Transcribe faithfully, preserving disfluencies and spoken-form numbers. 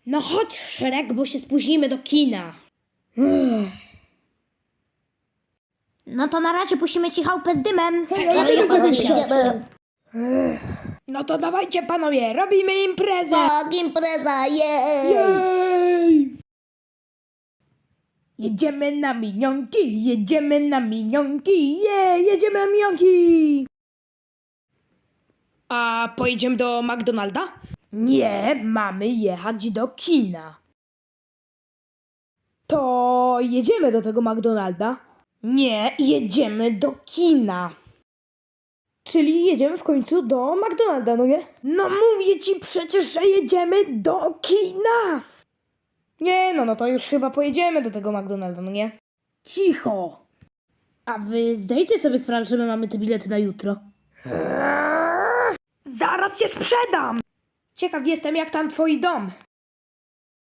No chodź, Szrek, bo się spóźnimy do kina. No to na razie pusimy ci chałupę z dymem. Ale ja panowie, nie idziemy. chcę. No to dawajcie, panowie, robimy imprezę. Tak, impreza, jej! Jej! Jedziemy na minionki, jedziemy na minionki, je, jedziemy na minionki! A pojedziemy do McDonalda? Nie, mamy jechać do kina. To jedziemy do tego McDonalda? Nie, jedziemy do kina. Czyli jedziemy w końcu do McDonalda, no nie? No mówię ci przecież, że jedziemy do kina! Nie, no, no to już chyba pojedziemy do tego McDonalda, no nie? Cicho! A wy zdajcie sobie sprawę, że my mamy te bilety na jutro? Zaraz się sprzedam! Ciekaw jestem, jak tam twój dom.